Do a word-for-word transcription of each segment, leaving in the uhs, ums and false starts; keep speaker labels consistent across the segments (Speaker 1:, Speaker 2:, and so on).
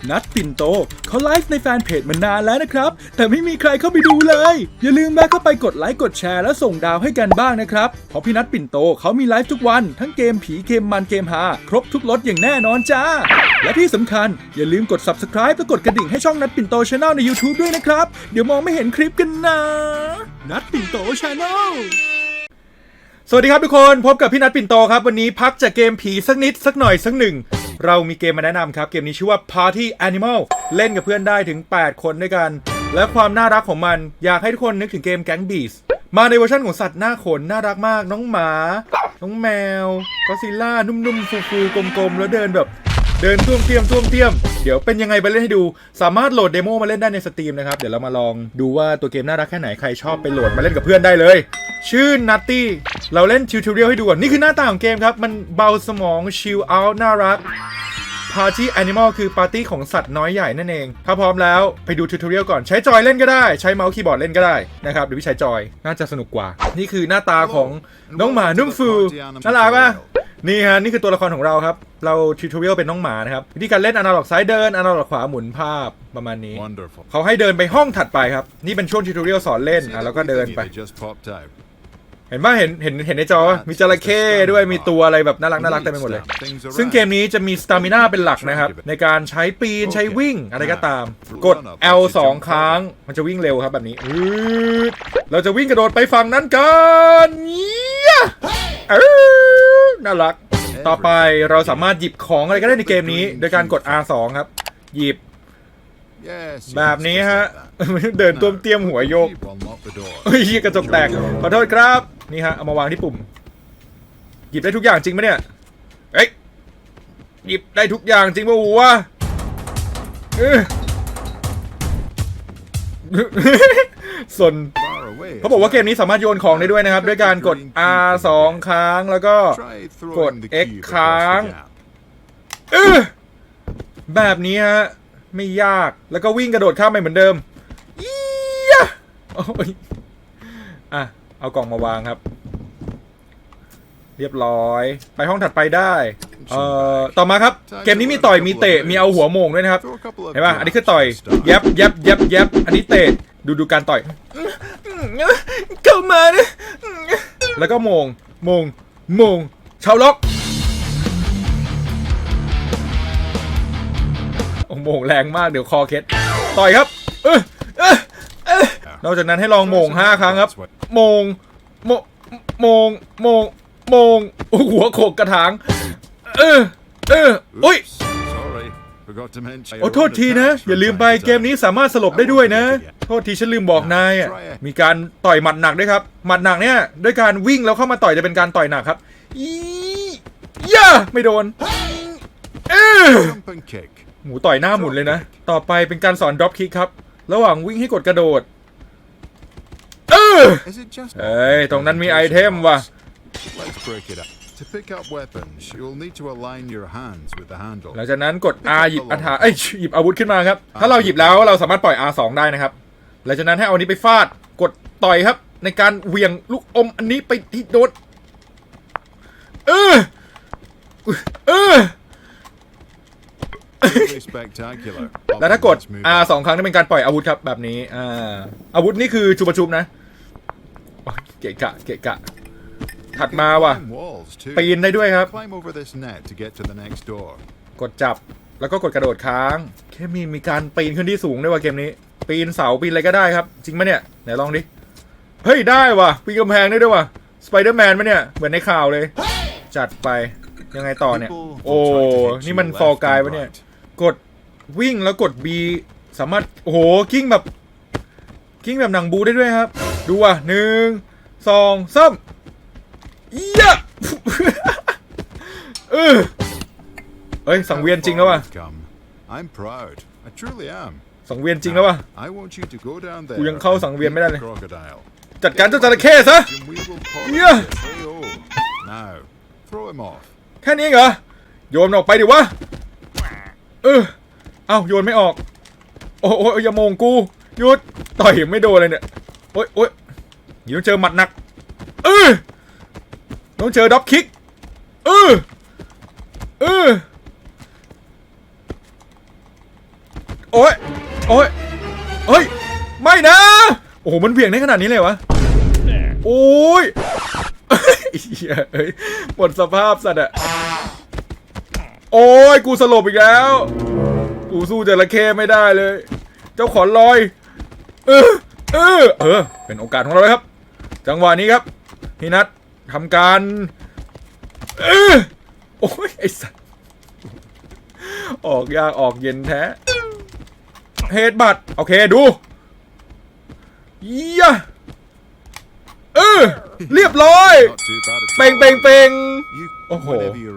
Speaker 1: นัดปิ่นโตเขาไลฟ์ในแฟนเพจมานานแล้วนะครับแต่ไม่มีใครเข้าไปดูเลยอย่าลืมแวะเข้าไปกดไลค์กดแชร์และส่งดาวให้กันบ้างนะครับเพราะพี่นัดปิ่นโตเขามีไลฟ์ทุกวันทั้งเกมผีเกมมันเกมฮาครบทุกรสอย่างแน่นอนจ้าและที่สำคัญอย่าลืมกด ซับสไครบ์ และกดกระดิ่งให้ช่องนัดปิ่นโต Channel ใน YouTube ด้วยนะครับเดี๋ยวมองไม่เห็นคลิปกันนะนัดปิ่นโต Channelสวัสดีครับทุกคนพบกับพี่นัทปิ่นโตครับวันนี้พักจากเกมผีสักนิดสักหน่อยสักหนึ่งเรามีเกมมาแนะนำครับเกมนี้ชื่อว่า Party Animal เล่นกับเพื่อนได้ถึงแปดคนด้วยกันและความน่ารักของมันอยากให้ทุกคนนึกถึงเกม Gang Beasts มาในเวอร์ชันของสัตว์หน้าขนน่ารักมากน้องหมาน้องแมวก็ซิลล่านุ่มๆฟูๆกลมๆแล้วเดินแบบเดินท่วมเทียมท่วมเทียมเดี๋ยวเป็นยังไงไปเล่นให้ดูสามารถโหลดเดโมมาเล่นได้ในสตรีมนะครับเดี๋ยวเรามาลองดูว่าตัวเกมน่ารักแค่ไหนใครชอบไปโหลดมาเล่นกับเพื่อนได้เลยชื่อ Nutty เราเล่นทิวทอเรียลให้ดูก่อนนี่คือหน้าตาของเกมครับมันเบาสมองชิลเอาท์น่ารัก Party Animal คือปาร์ตี้ของสัตว์น้อยใหญ่นั่นเองถ้าพร้อมแล้วไปดูทิวทอเรียลก่อนใช้จอยเล่นก็ได้ใช้เมาส์คีย์บอร์ดเล่นก็ได้นะครับหรือใช้จอยน่าจะสนุกกว่านี่คือหน้าตาของน้องหมานุ่มฟูน่ารักป่ะนี่ฮะนี่คือตัวละครของเราครับเราทิวทอเรียลเป็นน้องหมานะครับวิธีการเล่นอนาล็อกซ้ายเดินอนาล็อกขวาหมุนภาพประมาณนี้ Wonderful. เขาให้เดินไปห้องถัดไปครับนี่เป็นช่วงทิวทอเรียลสอนเล่นอ่ะแล้วก็เดินไปเห็นป่ะเห็นเห็นเห็นในจอมีจระเข้ด้วยมีตัวอะไรแบบน่ารักน่ารักเต็มไปหมดเลยซึ่งเกมนี้จะมีสตามิน่าเป็นหลักนะครับในการใช้ปีนใช้วิ่งอะไรก็ตามกด แอล สองครั้งมันจะวิ่งเร็วครับแบบนี้เราจะวิ่งกระโดดไปฝั่งนั้นกันน่ารักต่อไปเราสามารถหยิบของอะไรก็ได้ในเกมนี้โดยการกด อาร์ สอง ครับหยิบแบบนี้ฮะเดินต้วมเตี้ยมหัวโยกเฮ้ยกระจกแตกขอโทษครับนี่ฮะเอามาวางที่ปุ่มหยิบได้ทุกอย่างจริงไหมเนี่ยเอ้ยหยิบได้ทุกอย่างจริงป่ะวะส่วนเขาบอกว่าเกมนี้สามารถโยนของได้ด้วยนะครับด้วยการกด อาร์ สอง ครั้งแล้วก็กด เอ็กซ์ ครั้งเออแบบนี้ฮะไม่ยากแล้วก็วิ่งกระโดดข้ามไปเหมือนเดิมอียะโอ้ยอ่ะเอากล่องมาวางครับเรียบร้อยไปห้องถัดไปได้เอ่อต่อมาครับเกมนี้มีต่อยมีเตะมีเอาหัวโมงด้วยนะครับเห็นป่ะอันนี้คือต่อยแยบแยบแยบแยบอันนี้เตะดูดูการต่อยเข้ามานะแล้วก็โมงโมงโมงชาวล็อกโอ้โมงแรงมากเดี๋ยวคอเคล็ดต่อยครับเออเออเออนอกจากนั้นให้ลองโมงห้าครั้งครับโมงโมโมงโมงโมงหัวโขกกระถางเออเอออุ้ยโอ้โทษทีนะอย่าลืมไปเกมนี้สามารถสลบได้ด้วยนะโทษทีฉันลืมบอกนายอ่ะมีการต่อยหมัดหนักด้วยครับหมัดหนักเนี่ยด้วยการวิ่งแล้วเข้ามาต่อยจะเป็นการต่อยหนักครับอีย่าไม่โดนเออหมูต่อยหน้าหมุนเลยนะต่อไปเป็นการสอนดรอปคิกครับระหว่างวิ่งให้กดกระโดดเออเอ้ยตรงนั้นมีไอเทมว่ะหลังจากนั้นกด R หยิบอาถาเอ้ยหยิบอาวุธขึ้นมาครับถ้าเราหยิบแล้วเราสามารถปล่อย อาร์ สอง ได้นะครับหลังจากนั้นให้เอาอันนี้ไปฟาดกดต่อยครับในการเหวี่ยงลูกอมอันนี้ไปที่โดนเออเออแล้วถ้ากด อาร์ สอง ครั้งนี่เป็นการปล่อยอาวุธครับแบบนี้อ่าอาวุธนี่คือชุบประชุบนะเกะกะเกะกะถัดมาว่ะปีนได้ด้วยครับกดจับแล้วก็กดกระโดดค้างแค่มีมีการปีนขึ้นที่สูงด้วยว่ะเกมนี้ปีนเสาปีนอะไรก็ได้ครับจริงไหมเนี่ยไหนลองดิเฮ้ยได้ว่ะปีนกำแพงได้ด้วยว่ะสไปเดอร์แมนไหมเนี่ยเหมือนในข่าวเลยจัดไปยังไงต่อเนี่ยโอ้นี่มันฟอร์กายปะเนี่ยกดวิ่งแล้วกด B สามารถโอ้โหกิ้งแบบกิ้งแบบหนังบูได้ด้วยครับดูอ่ะหนึ่งสองสามยะเออเอ้ยสังเวียนจริงแล้วว่ะสังเวียนจริงแล้วว่ะกูยังเข้าสังเวียนไม่ได้เลยจัดการเจ้าจระเข้ซะเยอะแค่นี้เหรอโยนออกไปดิวะเออเอ้าโยนไม่ออกโอ้โอ้อย่าโมงกูหยุดต่อยไม่โดนเลยเนี่ยโอ้ยโอ้ยอย่าต้องเจอหมัดหนักเออต้องเจอด็อปคิกเออเออโอ้ยโอ้ยเฮ้ยไม่นะโอ้โหมันเบี่ยงได้ขนาดนี้เลยวะโอ้ยเฮ้ยหมดสภาพสัตว์อะโอ้ยกูสลบอีกแล้วกูสู้จระเข้ไม่ได้เลยเจ้าขอนลอยเออเออเออเป็นโอกาสของเราเลยครับจังหวะนี้ครับพี่นัททำการเออโอ้ยไอ้สัตว์ออกยากออกเย็นแท้เฮดบัตโอเคดูเยี่ยเออเรียบร้อยเป่งเป่งเป่งโอ้โห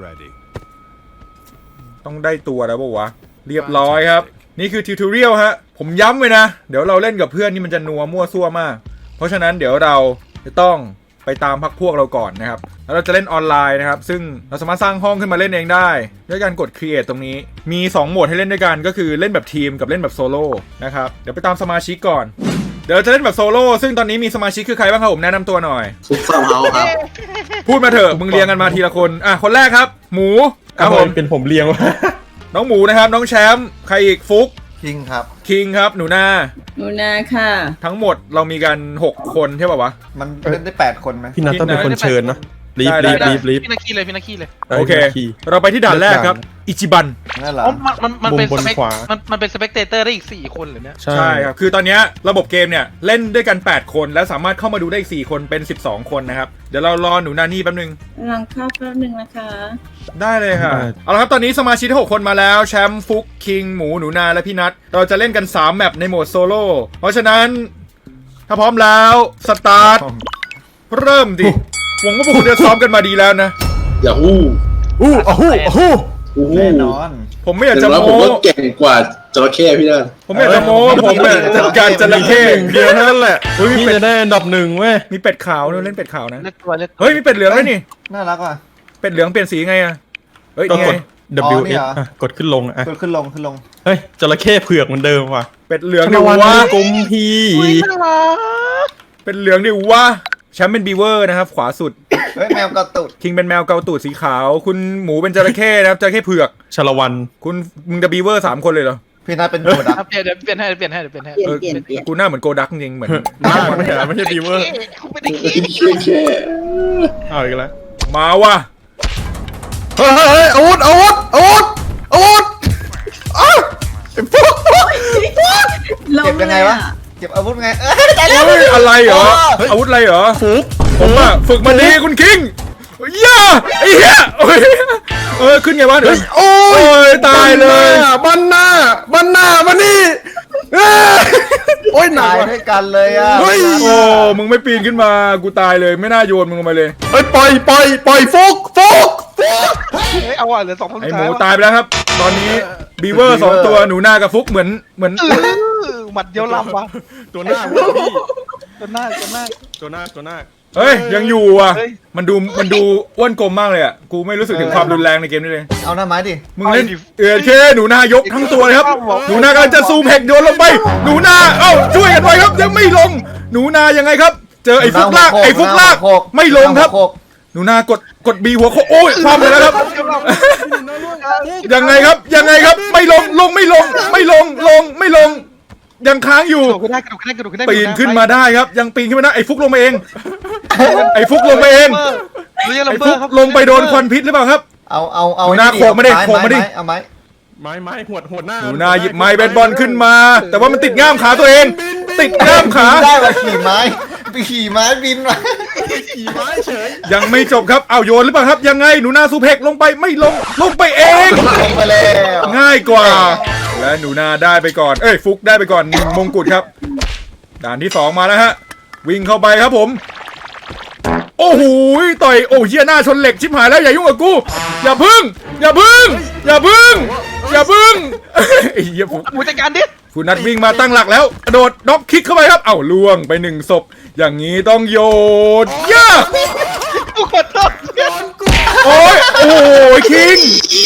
Speaker 1: ต้องได้ตัวแล้วป่าววะเรียบร้อยครับนี่คือทิวทอเรียลฮะผมย้ำไว้นะเดี๋ยวเราเล่นกับเพื่อนนี่มันจะนัวมั่วซั่วมากเพราะฉะนั้นเดี๋ยวเราจะต้องไปตามพักพวกเราก่อนนะครับแล้วเราจะเล่นออนไลน์นะครับซึ่งเราสามารถสร้างห้องขึ้นมาเล่นเองได้ด้วยการกด create ตรงนี้มีสองโหมดให้เล่นด้วยกันก็คือเล่นแบบทีมกับเล่นแบบโซโล่นะครับเดี๋ยวไปตามสมาชิกก่อนเดี๋ยวเราจะเล่นแบบโซโล่ซึ่งตอนนี้มีสมาชิกคือใครบ้างครับผมแนะนำตัวหน่อย
Speaker 2: ซุปเปอร์เฮาส์ครับ
Speaker 1: พูดมาเถอะมึงเรียงกันมาทีละคนอ่ะคนแรกครับหมูครับผม
Speaker 3: เป็นผมเลี้ยงวะ
Speaker 1: น้องหมูนะครับน้องแชมป์ใครอีกฟุก
Speaker 2: คิงครับ
Speaker 1: คิงครับหนูนา
Speaker 4: หนูนาค่ะ
Speaker 1: ทั้งหมดเรามีกันหกคนใช่ป่าวะ
Speaker 2: มันเล่นได้แปดคนไหม
Speaker 3: พี่นัทต้องเป็นคนเชิญนะรีบ
Speaker 1: ได้
Speaker 3: รีบ
Speaker 1: ได้
Speaker 3: รีบรีบ
Speaker 5: พี่นาคีเลยพี่นาคีเลย
Speaker 1: โอเค
Speaker 3: ขี่
Speaker 1: เราไปที่ด่านแรกครับอิจิบัน
Speaker 2: นั่นเหรอ
Speaker 5: อ๋อมันมันมันเป็น
Speaker 3: มุมบน
Speaker 5: สเปก
Speaker 3: ขวา
Speaker 5: มันมันเป็นสเปกเตเตอร์ได้อีกสี่คนเหรอเนี่ย
Speaker 3: ใช่
Speaker 1: ใช่ครับคือตอนเนี้ยระบบเกมเนี่ยเล่นด้วยกันแปดคนแล้วสามารถเข้ามาดูได้อีกสี่คนเป็นสิบสองคนนะครับเดี๋ยวเรารอหนูนานี่แป๊บนึง
Speaker 4: กำลังเข้าแป๊บนึงนะคะ
Speaker 1: ได้เลยค่ะเอาละครับตอนนี้สมาชิกทั้งหกคนมาแล้วแชมป์ฟุกคิงหมูหนูนาและพี่นัทเราจะเล่นกันสามแมปในโหมดโซโล่เพราะฉะนั้นถ้าพร้อมแล้วสตาร์ทเริ่มดิหวังว่าพวกคุณจะซ้อมกันมาดีแล้วนะ
Speaker 2: อย่าฮู้
Speaker 3: อู้อ้หูอ้หู
Speaker 2: ฮู้แน่นอน
Speaker 1: ผมไม่อยาก
Speaker 2: ถึ
Speaker 1: จะ
Speaker 2: งแล้วผม
Speaker 1: โม้
Speaker 2: ก็เก่งกว่าจระเข้พี่นั่น
Speaker 1: ผมไม่อยากจะโม้ผมเนี่ยจัดการจระเข้
Speaker 3: หนึ่งเดียวเท่านั้นแหละพี่จะได้อันดับหนึ่งเว้ย
Speaker 1: มีเป็ดขาวด้วยเล่นเป็ดขาวนะ
Speaker 5: เลือกตัวเลือกตัว
Speaker 1: เฮ้ยมีเป็ดเหลืองด้วยนี่
Speaker 2: น่ารักว่ะ
Speaker 1: เป็ดเหลืองเปลี่ยนสีไงอะเฮ้ย
Speaker 3: ก็
Speaker 1: นี่
Speaker 3: ก
Speaker 1: ไง
Speaker 3: ด
Speaker 2: อ๋อ
Speaker 3: W
Speaker 2: นี่
Speaker 3: S
Speaker 2: เหรอ
Speaker 3: อ่ะกดขึ้นลงอ่ะ
Speaker 2: ขึ้นขึ้นลงขึ้นลง
Speaker 3: เฮ้ยจระเข้เผือกเหมือนเดิมว่ะ
Speaker 1: เป็ดเหลือง
Speaker 3: ช
Speaker 1: ดิ
Speaker 3: นวัน
Speaker 1: วะ
Speaker 3: กลมพี
Speaker 5: อุ้ยน่ารัก
Speaker 1: เป็ดเหลืองดิวะแชมป์เป็นบีเวอร์นะครับขวาสุด
Speaker 2: เฮ้ยแมวกระตุด
Speaker 1: คิงเป็นแมวเกาตูดสีขาว คุณหมูเป็นจระเข้นะครับจระเข้เผือก
Speaker 3: ชาละวัน
Speaker 1: คุณมึงจะบีเวอร์สามคนเลยเหรอ
Speaker 2: พี่นัทเป็นโกดัก
Speaker 5: ครับเปลี่ยนเดี๋ยวเปลี่ยนให้เปลี่ยนให้เดี๋ยวเปลี่ยนให้
Speaker 4: เปลี่ยน
Speaker 1: เออ
Speaker 4: เปลี่ยนเปลี่ยน
Speaker 1: กูหน้าเหมือนโกดักจริงๆเหมือน
Speaker 3: มากไม่ใช่ไม่ใช่บีเวอร์
Speaker 5: เขาไม่ได้คิด
Speaker 2: แค่
Speaker 3: เอาอีกแล้ว
Speaker 1: มาว่ะ
Speaker 3: เฮ้ยเฮ้ยอาวุธอาวุธอาวุธอาวุธอ้าวไอ้พวก
Speaker 4: ล
Speaker 2: เก็บยังไงวะ
Speaker 4: เลยอ
Speaker 2: เก็บอาวุธไงเอ้ยใจแล้ว
Speaker 1: เฮ้ยอะไรเหรอ
Speaker 2: เฮ้ย
Speaker 1: อาวุธอะไรเหรอ
Speaker 3: ฟุก
Speaker 1: ผมอะฝึกมาดีคุณคิงเย้ไอ้เหี้ยโอ้ยเออขึ้นไงวะเดี๋ยว
Speaker 3: โอ้
Speaker 1: โอ้ยตายเลย
Speaker 3: บันหน้าบันหน้าบันนี่เอ้ยโอ้ยหนั
Speaker 2: ตาก ย
Speaker 3: ว่ะ
Speaker 2: ด้วยกันเลยอ่ะ
Speaker 3: เฮ้ย
Speaker 1: โอ้มึงไม่ปีนขึ้นมากูตายเลยไม่น่าโยนมึงลงไปเลย
Speaker 3: เฮ้ยปล่อยปล่อยปล่อยฟุกฟุกฟุก
Speaker 5: เฮ้ยเอาอ่ะเหลือสองคนสุ
Speaker 1: ไอ
Speaker 5: ด
Speaker 1: ห
Speaker 5: ท้า
Speaker 1: มู
Speaker 5: ยว่ะ
Speaker 1: ตายไปแล้วครับ ตอนนี้บีเวอร์สองตัวหนูนากับฟุกเหมือนเหมือน
Speaker 5: เออหมัดเดียวลำว่ะ
Speaker 3: ตัวหน้าพี่
Speaker 5: ตัวหน้าตัวหน้า
Speaker 3: ตัวหน้าตัวหน้า
Speaker 1: เฮ้ยยังอยู่อ่ะ
Speaker 5: เฮ้ย
Speaker 1: มันดูมันดูอ้วนกลมมากเลยอ่ะกูไม่รู้สึกถึงความรุนแรงในเกมนี้เลย
Speaker 2: เอาหน้าไม้ดิ
Speaker 1: มึงเล่นเออเคหนูนายกทั้งตัวเลยครับ หนูนากำลังจะซูมเฮกโยนลงไป หนูนาเอ้าช่วยกันไว้ครับยังไม่ลง หนูนายังไงครับ เจอไอ้ฟุกลากไอ้ฟุกลากไม่ลงครับ หนูนากดกดบีหัวโคโอ้ยความเลยแล้วครับ ยังไงครับยังไงครับไม่ลงลงไม่ลง ไม่ลงลงไม่ลง ยังค้างอยู่
Speaker 5: กระโดดขึ้นได้กระโดดขึ้นได้กระโดดขึ้นได้
Speaker 1: ปีนขึ้นมาได้ครับ ยังปีนขึ้นมาได้ไอ้ฟุกลงมาเอง ไอ้ฟุกลงมาเอง
Speaker 5: เรียล
Speaker 1: ไอ้
Speaker 5: เบอ
Speaker 1: ฟุก
Speaker 5: ร์ครับ
Speaker 1: ลงไปโดนควันพิษหรือเปล่าครับ
Speaker 2: เอาเอาเอา
Speaker 1: หนูนาโขกมาดิโขกมาดิ
Speaker 2: เอาไม้
Speaker 3: ไม้ไม้หวดหวดหน้า
Speaker 1: หนูนาหยิบไม้เบสบอลขึ้นมา แต่ว่ามันติดง่ามขาตัวเอง ติดง่ามขา
Speaker 2: ได้ว่าขี่ไม้ไปขี่ไม้บินมา
Speaker 3: ขี่ไม้เฉย
Speaker 1: ยังไม่จบครับเอาโยนหรือเปล่าครับ ยังไงหนูนาซูเพกลงไปไม่ลงลงไปเอง
Speaker 2: ลงไปแล้ว
Speaker 1: ง่ายกว่า และหนูนาได้ไปก่อน เอ้ยฟุกได้ไปก่อนหนึ่งมงกุฎครับ ด่านที่สองมาแล้วฮะ วิ่งเข้าไปครับผม โอ้โหต่อยโอ้เฮียหน้าชนเหล็กชิบหายแล้วอย่ายุ่งกับกู อย่าพึ่ง อย่าพึ่ง อย่าพึ่ง อย่าพึ่งไอ้เหี้ยฟุก
Speaker 5: หมูจัดการดิ
Speaker 1: คุณนัดวิ่งมาตั้งหลักแล้วกระโดดน็อกคิกเข้าไปครับ เอ้าล่วงไปหนึ่งศพ อย่างนี้ต้องโยนย่า
Speaker 5: กูขอโทษ
Speaker 1: โอ้ยโอ้ยคิง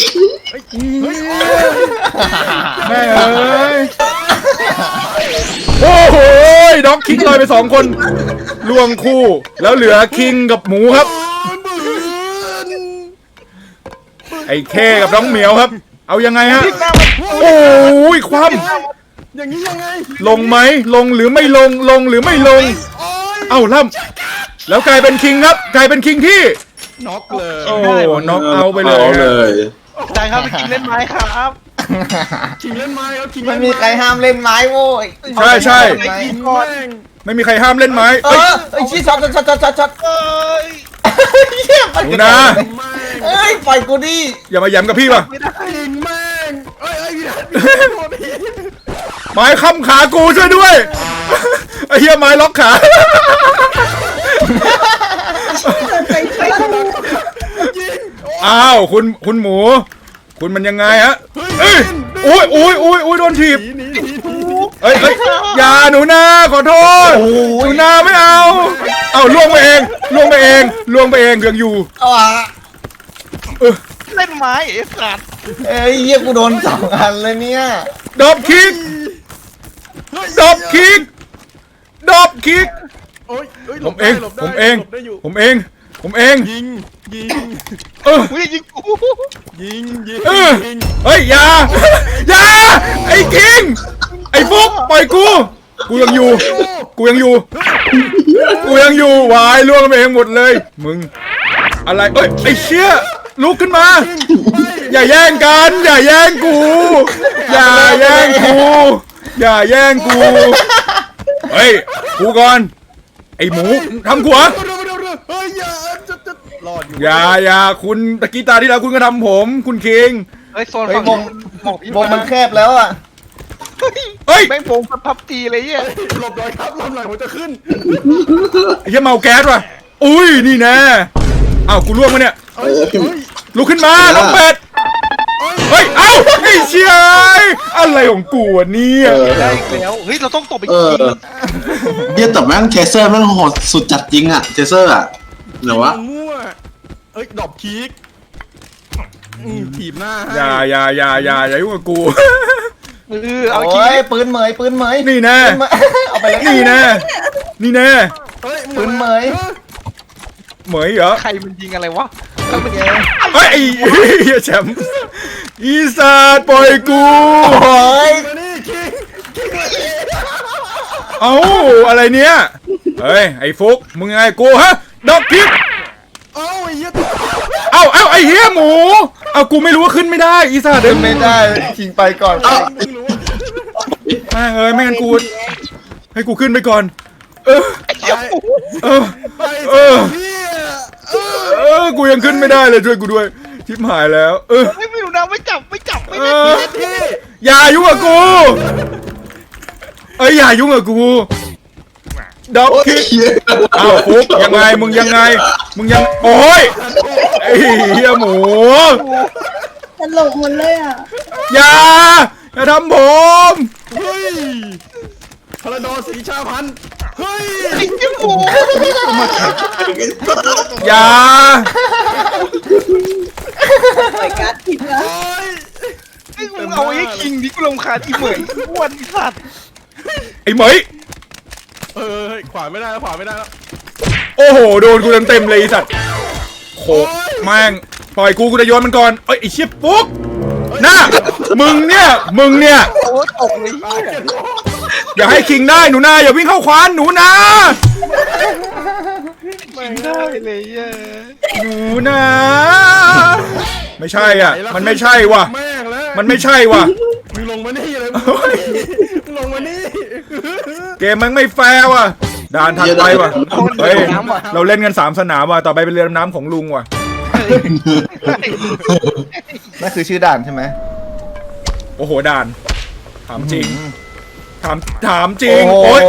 Speaker 1: แม่เอ้ยโอ้โหด็อกคิงลอยไปสองคนล่วงคู่ แล้วเหลือคิงกับหมูครับ ไอ้เคกับน้องเหมียวครับ เอายังไงฮะ โอ้ยความ
Speaker 3: อย่างนี้ยังไง
Speaker 1: ลงไหมลงหรือไม่ลงลงหรือไม่ลง
Speaker 3: โอ้ย
Speaker 1: เอ้าล่ำแล้วกลายเป็นคิงครับกลายเป็นคิงที่
Speaker 3: น็อกเลย
Speaker 1: โอ้น็อกเอาไปเลย
Speaker 6: อาเลย
Speaker 5: จานครับไปกินเล่นไม้ครับ
Speaker 3: คิงเล่นไม้ครับคิง
Speaker 2: ไม่
Speaker 3: เล่น
Speaker 2: มีใครห้ามเล่นไม้โว้ย
Speaker 1: ใช่ใช่
Speaker 2: เอาไป
Speaker 3: ยิง
Speaker 2: ก่อน
Speaker 3: แม่ง
Speaker 1: ไม่มีใครห้ามเล่นไม้
Speaker 2: เอ
Speaker 1: เอ้ย
Speaker 2: อไอ้ชี้ช็อตช็อตช็อตช็อตช็อต
Speaker 5: เอ้ย
Speaker 2: เหี้ยมัน
Speaker 1: หนู
Speaker 2: กระโด
Speaker 1: นะ
Speaker 2: ดเลย
Speaker 3: แม่ง
Speaker 2: เอ้ยปล่อยกูดิ
Speaker 1: อย่ามาย้ำกับพี่ป่ะ
Speaker 5: ไม่ได้
Speaker 3: ยิงแม่งเอ้ยเอ้ยพี่นัทพี่นัทโทษที
Speaker 1: ไม้ค้ำขากูช่วยด้วยไอ้เหี้ยไม้ล็อกขา
Speaker 4: ไปไปดู
Speaker 3: ยิง
Speaker 1: อ้าวคุณคุณหมู คุณมันยังไงฮะเอ้ยอุ้ยอุ้ยอุ้ยอุ้ยโดนถีบ
Speaker 3: หนีหนีหนีหนี
Speaker 1: เอ้ยเอ้ยอย่าหนูนาขอโทษหนูนาไม่เอาเอาล่วงไปเองล่วงไปเองล่วงไปเองยังอยู่
Speaker 2: เอาอ่ะ
Speaker 5: เล่นไม้ไอ้สัตว์
Speaker 2: เอ้ยเหี้ยกูโดนสองอันเลยเนี่ย
Speaker 1: ดอบคิกดอบคิกดอบคิก
Speaker 3: โอ้ยเอ้ยห
Speaker 1: ผ
Speaker 3: ล
Speaker 1: ม
Speaker 3: บ
Speaker 1: เอ
Speaker 3: ได้
Speaker 1: ง
Speaker 3: หลบได้
Speaker 1: ผมเอง
Speaker 3: หลบได้อยู่
Speaker 1: ผมเอง ผมเอง
Speaker 3: ยิงยิง
Speaker 1: เออ
Speaker 5: อุ้ยยิงกู
Speaker 3: ยิงยิง
Speaker 1: เออ
Speaker 3: ยิง
Speaker 1: เฮ้ยอย่าอย่าไอ้คิงไอ้ฟุกปล่อยกู กูยังอยู่ กูยังอยู่ กูยังอยู่วายล่วงไปเองหมดเลย มึง อะไรเอ้ยไอ้เชี่ยลุกขึ้นมา อย่าแย่งกัน อย่าแย่งกู อย่าแย่งกู อย่าแย่งกู เฮ้ย กูก่อน ไอ้หมูทำกูเหรอ
Speaker 3: เร็วเร็วเร็วเฮ้ยอย่าจะจะรอดอยู่
Speaker 1: อย่าอย่าคุณตะกี้ตาที่แล้วคุณก็ทำผม คุณคิง
Speaker 5: เฮ้ยโซน
Speaker 2: เฮ้ย
Speaker 5: ฝั่ง
Speaker 2: วง
Speaker 5: บอกพี่
Speaker 2: วงมันแคบแล้วอ่ะ
Speaker 1: เฮ้ย
Speaker 5: แม่งวงพับตีเลยเหี้ย
Speaker 3: หลบหน่อยครับหลบหน่อยผมจะขึ้น
Speaker 1: ไอ้เหี้ยเมาแก๊สว่ะ อุ้ยนี่แน่อ้าวกูล่วงมาเนี่ย
Speaker 3: เฮ้ยเฮ้ย
Speaker 1: ลุกขึ้นมาน้องเป็ด เฮ้ย เอ้าไอ้เชี่ยอะไรของกูวะเนี่ย
Speaker 6: เออ
Speaker 5: ได้อีกแล้วเฮ้ยเราต้องตบไป
Speaker 6: เอ
Speaker 5: กิ
Speaker 6: อน เบียแต่แม่งเทเซอร์แม่งโหดสุดจัดจริงอะเทเซอร์อะเหรอวะ
Speaker 3: มั่วเอ้ยดอกคิกอืมถีบหน้าให้
Speaker 1: อย่าอย่าอย่าอย่าอย่ายุ่งกับกู
Speaker 5: เออเอา
Speaker 2: โอ้
Speaker 5: ขี้
Speaker 2: ยปืนเหมยปืนเหมย
Speaker 1: นี่แน่
Speaker 2: ปืนเหมยเอาไปเลย
Speaker 1: นี่แน่ นี่แน่
Speaker 3: เฮ้ย
Speaker 2: ปืนเหมย
Speaker 1: เหมยเหรอ
Speaker 5: ใครมันยิงอะไรวะใครมันยิง
Speaker 1: เฮ้ยไอ้เหี้ยแชมป์อีสานปล่อยกู
Speaker 2: โอ้ย
Speaker 3: มานี่คิงคิง
Speaker 1: เอ้าอะไรเนี่ย เฮ้ยไอ้ฟุกมึงไงกูฮะดอกพิก
Speaker 3: เอ้าไอ้เหี้ย
Speaker 1: เอ้าเอ้าไอ้เหี้ยหมู เอากูไม่รู้ว่าขึ้นไม่ได้ อีสานเดิ
Speaker 2: ขึ้นไม่ได้ชิงไปก่อน
Speaker 3: มึงรู้ว่า
Speaker 1: แม่งเอ้ยไม่งั้นกู ให้กูขึ้นไปก่อน เออ เออ
Speaker 3: ไป
Speaker 1: เออ
Speaker 3: พี่เออ
Speaker 1: เออ กูยังขึ้นไม่ได้เลยช่วยกูด้วยทิพหายแล้ว เออ
Speaker 5: ไม่ไม่รู้นะไม่จับไม่จับไม่
Speaker 1: เอ
Speaker 5: ได้
Speaker 1: อ
Speaker 3: พี่
Speaker 1: อย่ายุ่งกับกู เอ้ยอย่ายุ่งกับกูด็อก
Speaker 6: โอ้ย
Speaker 1: คิก
Speaker 6: เหี้ย
Speaker 1: อ้าวฟุกยังไงมึงยังไง มึงยังโอ้ยไอ้เหี้ยหมู
Speaker 4: ตลกหมดเลยอ่ะ
Speaker 1: อย่าอย่าทำผม
Speaker 3: เฮ้ยพลดอสีชาพันธุ์เฮ้ย
Speaker 5: ไอ้เจ้าหมู
Speaker 1: อย่า
Speaker 4: ปล่อยการ์ดผิดแล้ว
Speaker 3: โอ้ย
Speaker 5: ไอ้มึงเอาไอ้คิงนี่กูรำคาญอีเหมยอ้วนไอ้สัตว์
Speaker 1: ไอ้เหมย
Speaker 3: เออเฮ้ยขวาไม่ได้แล้วขวาไม่ได้แล้ว
Speaker 1: โอ้โหโดนกูเต็มๆเลยไอ้สัตว์โขกแม่งปล่อยกูกูจะโยนมันก่อนเอ้ยไอ้เชี่ยปุ๊กหน้ามึงเนี่ยมึงเนี่ย
Speaker 5: โอ้ยตกเลยเหี้ย
Speaker 1: อย่าให้คิงได้หนูนาอย่าวิ่งเข้าควานหนูนา
Speaker 5: คิงได้เลยเหี้ย
Speaker 1: หนูนาไม่ใช่อ่ะ มันไม่ใช่ว่ะ
Speaker 3: แม่งแล้ว
Speaker 1: มันไม่ใช่ว่ะ
Speaker 3: มึงลงมานี่เลยมึงลงมานี่มึงลงมานี่
Speaker 1: เกมมันไม่แฟร์ว่ะด่านถัดไปว่ะเฮ้ยเราเล่นกันสามสนามว่ะต่อไปเป็นเรือดำน้ำของลุงว่ะ
Speaker 2: นั่นคือชื่อด่านใช่ไหม
Speaker 1: โอ้โหด่านถามจริงถามถามจริง
Speaker 2: โอ้
Speaker 1: โอ๊ย
Speaker 2: โห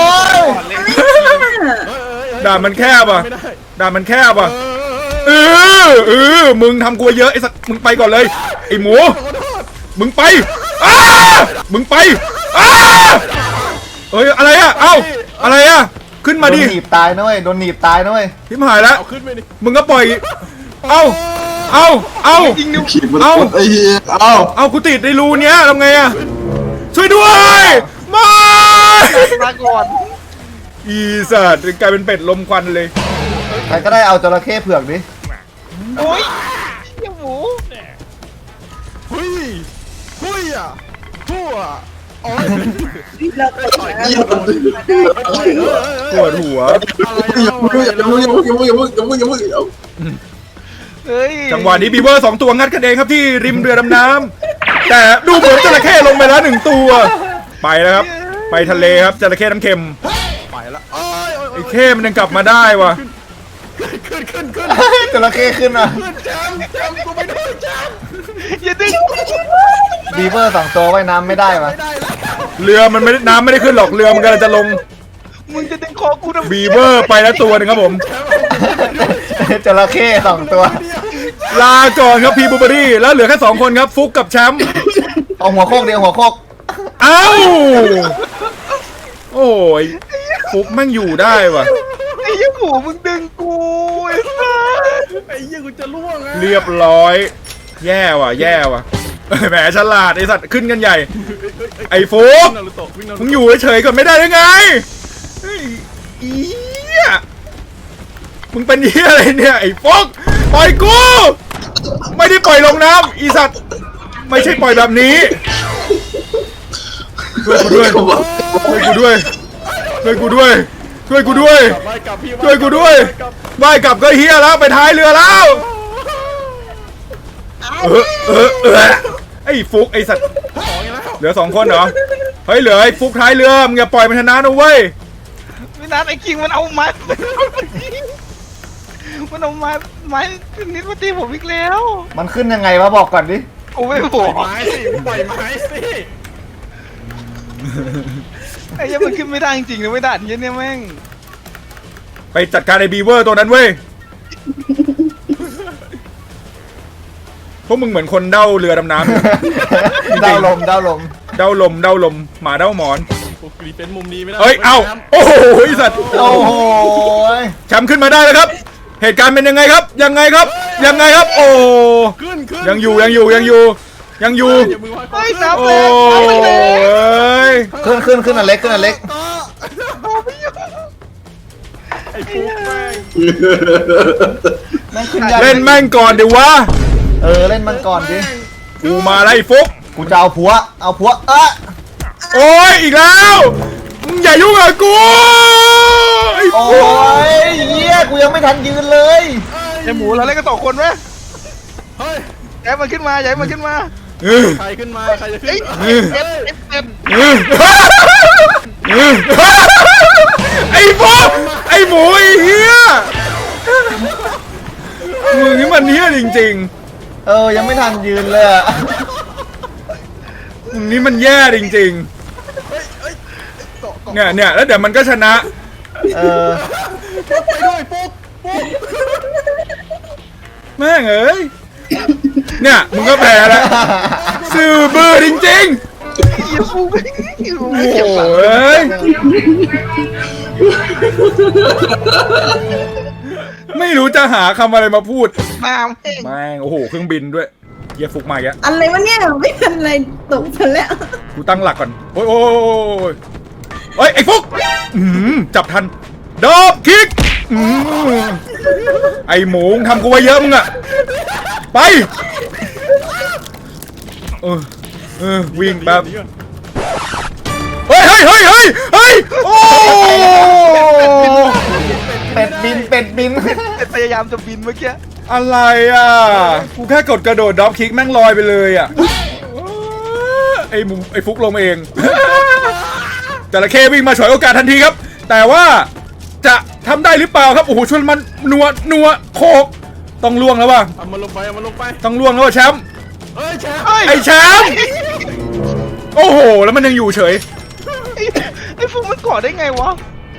Speaker 1: ด่านมันแคบว่ะ
Speaker 3: ไม่ได้
Speaker 1: ด่านมันแคบว่ะ
Speaker 3: เออ
Speaker 1: เออเออมึงทำกูเยอะไอ้สัตว์มึงไปก่อนเลยไอ้หมู
Speaker 3: ขอโทษ
Speaker 1: มึงไปอ้ามึงไปอ้าเอ้ยอะไรอะเอ้าอะไรอะขึ้นมา
Speaker 2: โดน
Speaker 1: ดิ
Speaker 2: หนีบตายนะเว้ยโดนหนีบตายนะเว้ย
Speaker 1: ทิมหายแล้ว
Speaker 3: เอาขึ้นไปดิ
Speaker 1: มึงก็ปล่อยเอ้าเอ้าเอ้า
Speaker 5: ยิงนิ้ว
Speaker 6: ขีดมัน
Speaker 1: เอ้า
Speaker 6: ไอ้เหี้ยเอ้า
Speaker 1: เอากูติดในรูเนี้ยทำไงอะช่วยด้วยไม่
Speaker 5: มาก่อน
Speaker 1: อีสัตว์กลายเป็นเป็ดลมควันเลย
Speaker 2: ใครก็ได้เอาจระเข้เผือกดิ
Speaker 5: โอ้ยเจ้าหมู
Speaker 3: เฮ้ยเฮ้ยอ่ะทั่ว
Speaker 4: เราตกน้ำ
Speaker 1: ปวดหัว
Speaker 6: อย่าพูดอย่าพูดอย่าพูดอย่าพูดอย่าพูดอย่าพูดอย่าพูดอย่าพูด
Speaker 5: เฮ้ย
Speaker 1: จังหวะนี้บีเวอร์สองตัวงัดกันเองครับที่ริมเรือดำน้ำแต่ดูเหมือนจระเข้ลงไปแล้วหนึ่งตัวไปแล้วครับไปทะเลครับจระเข้น้ำเค็ม
Speaker 3: ไปละโอ้ยโอ้ย
Speaker 1: ไอ้เข้มันยังกลับมาได้วะ
Speaker 3: ขึ้นขึ้นขึ้น
Speaker 2: จระเข้ขึ้นอ่ะ
Speaker 3: ขึ้นแจมแจมกูไปด้วยแจม
Speaker 5: อย่าดึง
Speaker 2: บีเวอร์สองตัวว่ายน้ำไม่ได้วะ
Speaker 3: ไม่ได้แล้ว
Speaker 1: เรือมันไม่ได้น้ำไม่ได้ขึ้นหรอกเรือมันกำลังจะลง
Speaker 5: มึงจะดึงคอกูทำไม
Speaker 1: บีเวอร์ไปแล้วตัวหนึงครับผม
Speaker 2: จระเข้สองตัว
Speaker 1: ลาก่อนครับพีบูเบอรี่แล้วเหลือแค่สองคนครับฟุกกับแชมป์
Speaker 2: เอาหัวโคกเดียวหัวโคก
Speaker 1: เอ้าโอ้ยฟุกแม่งอยู่ได้ว่ะ
Speaker 5: ไอ้ยี่หมูมึงดึงกูไอ้สัส
Speaker 3: ไอ้เหี้ยกูจะล่วงอ่ะ
Speaker 1: เรียบร้อย แย่ว่ะ แย่ว่ะแหมฉลาดไอสัตว์ขึ้นกันใหญ่ ไอ้ฟุก
Speaker 3: นารูโตะวิ่งนารู
Speaker 1: มึง
Speaker 3: โตะ
Speaker 1: อยู่เฉยๆก่อนไม่ได้หรือไงเฮ้ยอีเหี้ยมึงเป็นเหี้ยอะไรเนี่ยไอ้ฟุกปล่อยกูไม่ได้ปล่อยลงน้ำอีสัตว์ไม่ใช่ปล่อยแบบนี้ช่วยกูด้วยช่วยกูด้วยช่วยกูด้วยช่วยกูด้วย
Speaker 3: ไปกลับพี่
Speaker 1: ช่วยกูด้วยว่ายกลับก็เฮียแล้วไปท้ายเรือแล้วเออเออเออไอ้ฟุกไอ้สัตว์
Speaker 3: ของอีกแล้ว
Speaker 1: เหลือสองคนเหรอเฮ้ยเหลือไอ้ฟุกท้ายเรือมึงอย่าปล่อยมันชนะนะเว้ย
Speaker 5: ไม่นัดไอ้คิงมันเอาไม้มันเอาไม้ไม้นิดมาตีผมอีกแล้ว
Speaker 2: มันขึ้นยังไงวะบอกก่อนดิ
Speaker 5: กูไม่บ
Speaker 3: ปล่
Speaker 5: อ
Speaker 3: อย
Speaker 5: ก
Speaker 3: ไม้สิปล่อยไม้สิ
Speaker 5: ไอ้ยังมันขึ้นไม่ได้จริงๆนะไม่ได้เหี้ยเนี่ยแม่ง
Speaker 1: ไปจัดการไอ้บีเวอร์ตัวนั้นเว้ยพวกมึงเหมือนคนเด้าเรือดำน้ำ
Speaker 2: ดาวลมดาวลม
Speaker 1: เด้าลมเด้าลมหมาเด้าหมอน
Speaker 3: กูกรีเป็นมุมนี้ไม่ได้
Speaker 1: เฮ้ยเอ้าโอ้โหไอ้สัตว์
Speaker 2: โอ้โห
Speaker 1: แชมป์ขึ้นมาได้แล้วครับ เหตุการณ์เป็นยังไงครับ ยังไงครับ ยังไงครับ โอ้
Speaker 3: ขึ้นขึ้น
Speaker 1: ยังอยู่ยังอยู่ยังอยู่ยังอยู่
Speaker 3: อย่ามือวาง
Speaker 5: เฮ้ย
Speaker 3: ก่อน
Speaker 5: น้ำ
Speaker 1: โอ้
Speaker 5: แรงน้ำแรง
Speaker 1: ย
Speaker 2: ขึ้นขึ้นขึ้นอันเล็กขึ้นอันเล็ก
Speaker 3: ไอ้ฟุกแม่ง
Speaker 2: แม่งขึ้นยาก
Speaker 1: เล่นแม่งก่อนเดี๋ยววะ
Speaker 2: เออเล่นมันก่อนดิ
Speaker 1: กูมาไล่ฟุก
Speaker 2: กูจะเอาผัวเอาผัวเอะ
Speaker 1: โอ้ยอีกแล้วมึงอย่ายุ่งกับกูไอ้
Speaker 2: โอ้
Speaker 1: ฟุก
Speaker 2: ยเหี้ยกูยังไม่ทันยืนเลย
Speaker 5: ไอ้หมูเราเล่นกันสองคนไหม
Speaker 3: เฮ้ย
Speaker 5: แย้มันขึ้นมาแย้มันขึ้นมา
Speaker 1: เออ
Speaker 3: ใครขึ้นมาใครจะขึ้น
Speaker 5: เอ้ยเอ็ดเอ็ดเอ็ด
Speaker 1: เออเออไอ้ฟุกไอ้หมูไอ้เหี้ยมึงนี่มันเหี้ยจริง
Speaker 2: เออยังไม่ทันยืนเลยอะ
Speaker 1: ๆมึงนี่มันแย่จริงๆเนี่ยเนี่ยแล้วเดี๋ยวมันก็ชนะ
Speaker 2: เออ
Speaker 3: ไปด้วยฟุกฟุก
Speaker 1: แม่งเอ้ย เนี่ยมึงก็แพ้แล้วสื่อบื้อจริง
Speaker 5: เหี้ยฟูไม่
Speaker 1: ๆ โอ้ยไม่รู้จะหาคำอะไรมาพูด
Speaker 5: น้ำเอง
Speaker 1: แม่งโอ้โหเครื่องบินด้วยเฮียฟุกมาอีกแล้ว
Speaker 4: อะไรวะเนี่ยไม่เป็นไรตกไปแล้ว
Speaker 1: กูตั้งหลักก่อน โอ้ยโอ้ยโอ้ยเฮ้ยไอ้ฟุกอืมจับทันดอบคิกอืมไอ้หมูมึงทำกูไว้เยอะมึงอะไปเออเออวิ่งแป๊บเฮ้ยเฮ้ยเฮ้ยเฮ้ยเฮ้ยโอ้
Speaker 2: เป็ดบินเป็ดบิน
Speaker 5: แต่พยายามจะบินเมื่อกี้
Speaker 1: อะไรอ่ะกูแค่กดกระโดดดรอปคิกแม่งลอยไปเลยอ่ะไอ้หมูไอ้ฟุกลงเองจระเข้วิ่งมาฉวยโอกาสทันทีครับ แต่ว่าจะทำได้หรือเปล่าครับโอ้โหชวนมันนัวนัวโคกต้องล่วงแล้วว่ะ
Speaker 3: เอามันลงไปเอามันลงไป
Speaker 1: ต้องล่วงแล้วว่ะแชมป์
Speaker 3: เฮ้ยแชมป์
Speaker 1: ไอ้แชมป์โอ้โหแล้วมันยังอยู่เฉย
Speaker 5: ไอ้ไอ้ฟูมันก่อได้ไงวะ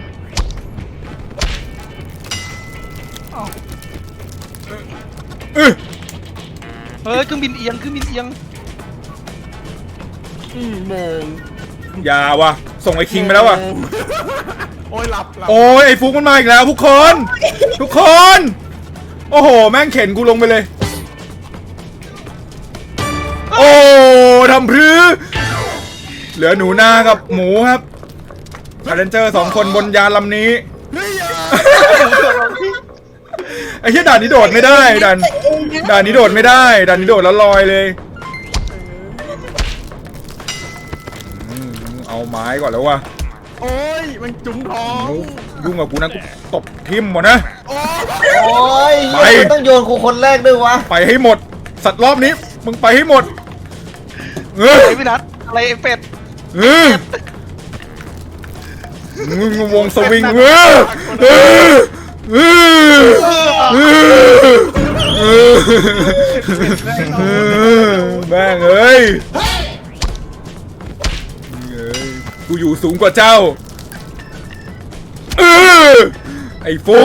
Speaker 1: เออ
Speaker 5: เฮ้ยเครื่องบินเอียงเครื่องบินเอียง
Speaker 3: อืมโมง
Speaker 1: อย่าว่ะส่งไอ้คิงไปแล้วว่ะ
Speaker 3: โมงโอ้ยหลับหลับ
Speaker 1: โอ้ยไอ้ฟุกมันมาอีกแล้วทุกคน ทุกคน โอ้โหแม่งเข็นกูลงไปเลย โอ้ทำพรือเหลือหนูนากับหมูครับคาร์เรนเจอร์สองคนบนยานลำนี้
Speaker 3: เฮ้ยอย่า
Speaker 1: ไอ้เหี้ยด่านนี้โดดไม่ได้ด่านด่านนี้โดดไม่ได้ด่านนี้โดดแล้วลอยเลยอืมเอาไม้ก่อนแล้ววะ
Speaker 3: โอ้ยมันจุ๋มท้อง
Speaker 1: ยุ่งกับกูนะกูตบทิ่มหมดนะ
Speaker 3: โอ้ย
Speaker 2: โอ้ย
Speaker 1: ไป
Speaker 2: เหี้ยมันต้องโยนกูคนแรกด้วยวะ
Speaker 1: ไปให้หมด สัตว์รอบนี้มึงไปให้หมดเออ
Speaker 5: ไอ้พี่นัทอะไรไอ้เป็ด
Speaker 1: เออมึงวงสวิงเออเออเออเออเออแม่งเอ้ยกูอยู่สูงกว่าเจ้าเออไอ้ฟุก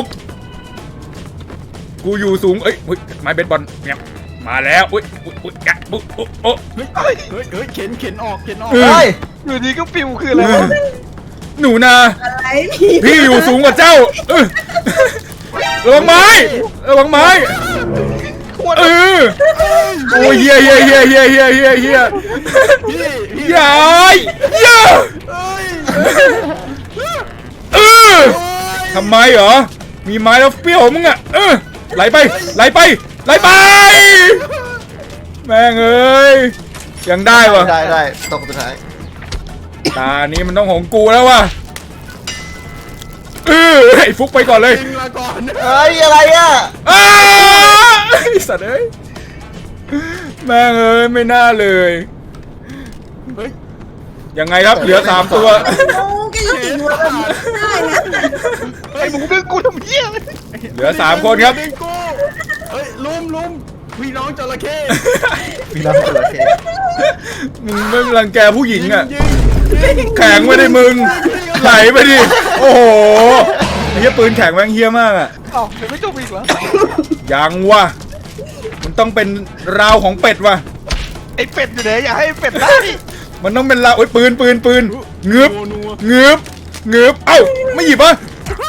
Speaker 1: กูอยู่สูงเอ้ยเฮ้ยไม้เบสบอลเนี่ยมาแล้วอุ้ยอุ้ยอุ้ยกะปุ๊บปุ๊บโอ้
Speaker 3: เฮ้ยเฮ้ยเฮ้ยเข็นเข็นออกเข็นออก
Speaker 1: เออ
Speaker 2: เฮ้ย
Speaker 5: อยู่ดีก็ปิวคืออะไรวะ
Speaker 1: หนูนา
Speaker 4: อะไรพี่
Speaker 1: พี่อยู่สูงกว่าเจ้าเออระวังไม้ระวังไม้เออโอ้ยเฮียเฮียเฮียเฮียเฮียเฮียเฮีย
Speaker 3: พี่พี่
Speaker 1: ยายเฮีย
Speaker 3: เอ้ย
Speaker 1: เออทำไมเหรอมีไม้แล้วเปรี้ยวมึงอ่ะเออไหลไปไหลไปไหลไปแม่งเอ้ยยังได้วะ
Speaker 2: ได้ได้ตกสุดท้าย
Speaker 1: ตานี้มันต้องของกูแล้ววะเออไอ้ฟุกไปก่อนเลย
Speaker 3: จริงละก่อน
Speaker 2: เฮ้ยอะไรอ่ะ
Speaker 1: อ้าไอ้สัตว์เอ้ยแม่งเอ้ยไม่น่าเลย
Speaker 3: เฮ้ย
Speaker 1: ยังไงครับเหลือสามตัว
Speaker 4: โอ้ก็ยังติดหัวแบบนี้ได้นะ
Speaker 5: ไอ้หมูดึงกูทำเหี้ยอะไร
Speaker 1: เหลือสามคนครับ
Speaker 3: ดึงกูเฮ้ยลุมลุมพี่น้องจระเข้
Speaker 2: พี่น้องจระเข้
Speaker 1: มึงไม่รังแกผู้หญิงอ่ะ
Speaker 3: ยิงยิง
Speaker 1: แข็งไม่ได้มึงไหลไปดิโอ้โหไอ้เหี้ยปืนแข็งแม่งเฮี้ยมากอ่ะ
Speaker 5: อ้าวยังไม่จบอีกเหรอ
Speaker 1: ยังวะมันต้องเป็นราวของเป็ดวะ
Speaker 5: ไอ้เป็ดอยู่ไหนอย่าให้ไอ้เป็ดได้
Speaker 1: มันต้องเป็นราวโอ้ยปืนปืนปืนเงือบ
Speaker 3: นัวนัว
Speaker 1: เงือบเงือบเอ้าไม่หยิบอ่ะ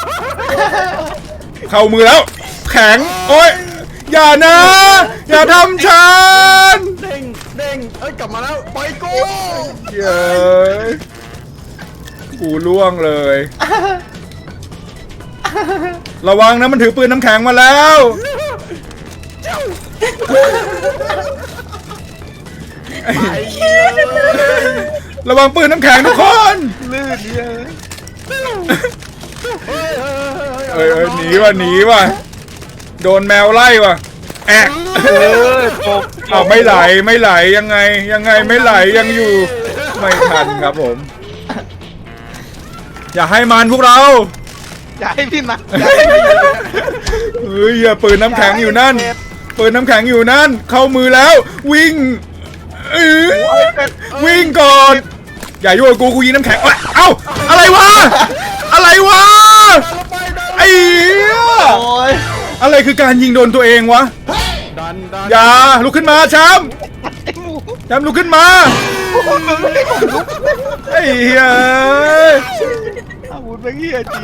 Speaker 1: เข้ามือแล้ว แข็งโอ้ยอย่านะ อย่าทำฉัน
Speaker 3: เด้งเด้งเอ้ยกลับมาแล้วปล่อยกู
Speaker 1: เย้ยกูล่วงเลย ระวังนะมันถือปืนน้ำแข็งมาแล้วระวังปืนน้ำแข็งทุกคน
Speaker 5: ลื่นเนี่ย
Speaker 3: เฮ้ยเฮ้ย
Speaker 1: เอ้ยเอ้ยหนีว่ะหนีว่ะโดนแมวไล่ว่ะแอะ
Speaker 5: เออจบ
Speaker 1: เอาไม่ไหลไม่ไหลยังไงยังไงไม่ไหลยังอยู่ ไม่ทันครับผม อย่าให้มันพวกเรา
Speaker 5: อย่าให้พี่นัทอย่าให้พี่
Speaker 1: เฮ้ยอย่าปืนน้ำแข็งอยู่นั่นปืนน้ำแข็งอยู่นั่น เข้ามือแล้ว วิ่งเออวิ่งก่อน อย่ายุ่งกับกูกูยิงน้ำแข็งเอ้ยเอ้าอะไรวะอะไรวะไอ้เหี้ย
Speaker 2: โอ้ย
Speaker 1: อะไรคือการยิงโดนตัวเองวะ
Speaker 3: ดันดัน
Speaker 1: อย่าลุกขึ้นมาแชมป์
Speaker 5: ไอ้หมู
Speaker 1: แชมป์ลุกขึ้นมาไอ้เหี้ย
Speaker 5: อาวุธแม่งเหี้ยจริง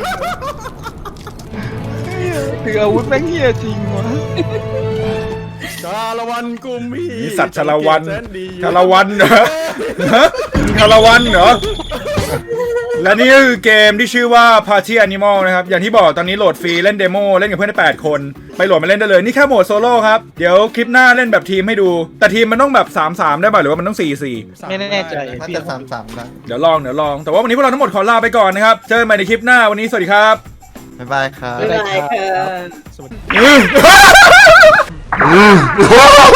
Speaker 5: ถืออาวุธแม่งเหี้ยจริงวะ
Speaker 3: ชาละวันกุมพี
Speaker 1: นี่สัตว์ชาละวัน
Speaker 3: แสนดี
Speaker 1: ชาละวันเหรอฮะชาละวันเหรอและนี่ก็คือเกมที่ชื่อว่า Party Animal นะครับอย่างที่บอกตอนนี้โหลดฟรีเล่นเดโมเล่นกับเพื่อนได้แปดคนไปโหลดมาเล่นได้เลยนี่แค่โหมดโซโล่ครับเดี๋ยวคลิปหน้าเล่นแบบทีมให้ดูแต่ทีมมันต้องแบบ สามสาม ได้ป่ะหรือว่ามันต้อง สี่สี่
Speaker 5: ไม่แน่ใจ
Speaker 2: น่าจะสามสามนะ
Speaker 1: เดี๋ยวลองเดี๋ยวลองแต่ว่าวันนี้พวกเราทั้งหมดขอลาไปก่อนนะครับเจอกันใหม่ในคลิปหน้าวันนี้สวัสดีครับ
Speaker 2: บ๊ายบายครับ
Speaker 4: ไม่เป็นไรค่ะ
Speaker 1: อืม